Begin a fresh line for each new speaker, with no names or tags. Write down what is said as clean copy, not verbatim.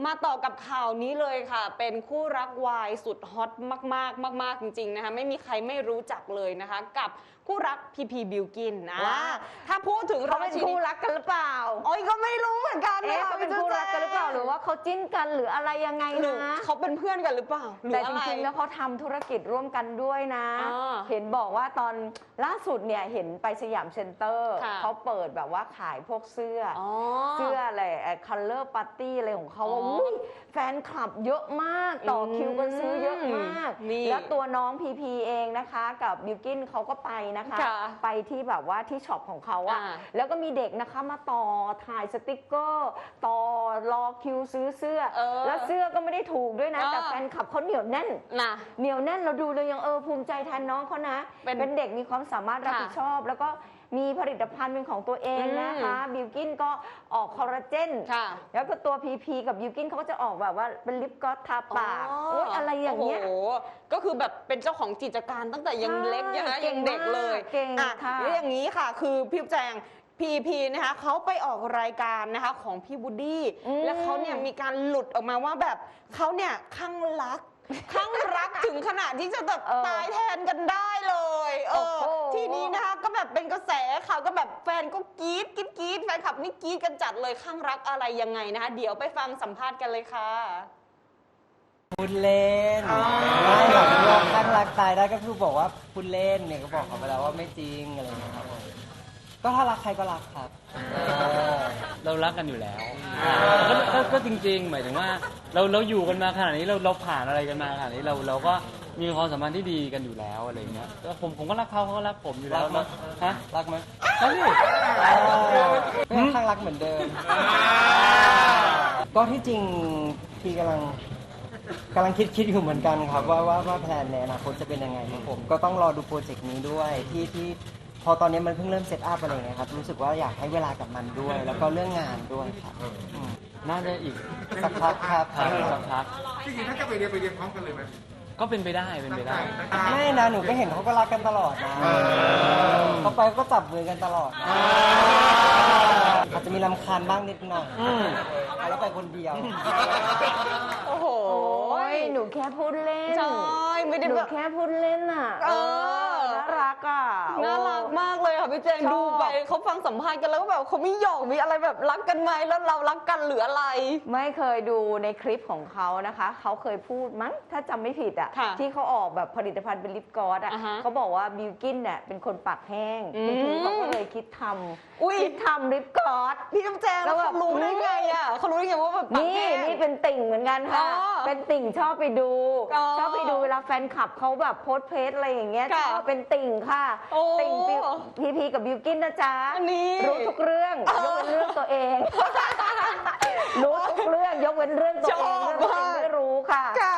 มาต่อกับข่าวนี้เลยค่ะ เป็นคู่รักวายสุดฮอตมากๆมากๆจริงๆนะคะไม่มีใครไม่รู้จักเลยนะคะกับคู่รักพีพีบิลกินนะถ้าพูดถึง
เขาเป็นคู่รักกันหรือเปล่า
โอ้ยก็ไม่รู้เหมือนกันนะ
เขาเป็นคู่รักกันหรือเปล่าหรือว่าเขาจิ้นกันหรืออะไรยังไงนะ
เขาเป็นเพื่อนกันหรือเปล่า
แต่จริงๆแล้วเขาทำธุรกิจร่วมกันด้วยนะเห็นบอกว่าตอนล่าสุดเนี่ยเห็นไปสยามเซ็นเตอร์เขาเปิดแบบว่าขายพวกเสื้ออะไรcolor party อะไรของเขาแฟนคลับเยอะมากต่อคิวกันซื้อเยอะมากแล้วตัวน้องพีพีเองนะคะกับบิลกินเขาก็ไปนะคะไปที่แบบว่าที่ช็อปของเขาอะแล้วก็มีเด็กนะคะมาต่อถ่ายสติกเกอร์ต่อรอคิวซื้อเสื้อแล้วเสื้อก็ไม่ได้ถูกด้วยนะแต่แฟนคลับเขาเหนียวแน่นเหนียวแน่นเราดูเลยยังภูมิใจแทนน้องเขานะเป็นเด็กมีความสามารถรับผิดชอบแล้วก็มีผลิตภัณฑ์เป็นของตัวเองนะคะบิลกินก็ออกคอลลาเจนแล้วก็ตัวพีพีกับบิลกินเขาก็จะออกแบบว่าเป็นลิปกลอสทาปากอะไรอย่างเงี้ย
ก็คือแบบเป็นเจ้าของกิจการตั้งแต่ยังเล็กยังเด็กเลยแล้วอย่างนี้ค่ะคือพี่แจงพีนะคะเขาไปออกรายการนะคะของพี่บูดดี้แล้วเขาเนี่ยมีการหลุดออกมาว่าแบบเขาเนี่ยข้างรักถึงขนาดที่จะแบบตายแทนกันได้เลยทีนี้นะคะก็แบบเป็นกระแสข่าวก็แบบแฟนก็กรี๊ดแฟนคลับนี่กรี๊ดกันจัดเลยข้างรักอะไรยังไงนะคะเดี๋ยวไปฟังสัมภาษณ์กันเลยค่ะ
พูดเล่นไม่หรอกเรื่องข้างรักตายได้ก็คือบอกว่าพูดเล่นเนี่ยก็บอกเขาไปแล้วว่าไม่จริงอะไรอย่างเงี้ยครับก็ถ้ารักใครก็รักครับ
เรารักกันอยู่แล้วก็จริงๆหมายถึงว่าเราอยู่กันมาขนาดนี้เราผ่านอะไรกันมาขนาดนี้เราก็มีความสัมพันธ์ที่ดีกันอยู่แล้วอะไรเงี้ยแล้วผมก็รักเขาก็รักผมอยู่แล้วนะฮะ
รักไหม
รักดิ
ก็ข้างรักเหมือนเดิมก็ที่จริงพี่กำลังคิดอยู่เหมือนกันครับว่าแผนในอนาคตจะเป็นยังไงครับผมก็ต้องรอดูโปรเจกต์นี้ด้วยที่พอตอนนี้มันเพิ่งเริ่มเซตอัพอะไรเงี้ยครับรู้สึกว่าอยากให้เวลากับมันด้วยแล้วก็เรื่องงานด้วยครับ
น่าจะอีก
สักพักครับ
สักพัก
จริงๆถ้าจะไปเรียนพร้อมกันเลยไหม
ก็เป็นไปได้
ไม่นะหนูก็เห็นเขาก็รักกันตลอดนะเขาไปก็จับมือกันตลอดอาจจะมีรำคาญบ้างนิดหน่อยแล้วไปคนเดียว
โอ้โห
หนูแค่พูดเล่น
ใช่ไม่ได้
หนูแค่พูดเล่นอ่ะน่ารักอ่ะ
น่ารักมากเลยค่ะพี่แจงดูไปเขาฟังสัมภาษณ์กันแล้วก็แบบเขาไม่หยอกมีอะไรแบบรักกันไหมแล้วเรารักกันหรืออะไร
ไม่เคยดูในคลิปของเขานะคะเขาเคยพูดมั้งถ้าจำไม่ผิดอ่ะที่เขาออกแบบผลิตภัณฑ์เป็นลิปกลอสอ่ะเขาบอกว่าบิลกินเนี่ยเป็นคนปากแห้งเขาก็เลยคิดทำลิปกลอส
พี่แจงแล้วเขารู้ได้ไงอ่ะเขารู้ได้ไงว่าแบบ
นี่เป็นติ่งเหมือนกันค่ะเป็นติ่งชอบไปดูเวลาแฟนคลับเขาแบบโพสเพจอะไรอย่างเงี้ยชอบเป็นติ่งค่ะติ่งพีกับบิลกินนะจ๊ะรู้ทุกเรื่องยกเว้นเรื่องตัวเองรู้ทุกเรื่องยกเว้นเรื่องตัวเองไม่รู้ค่ะ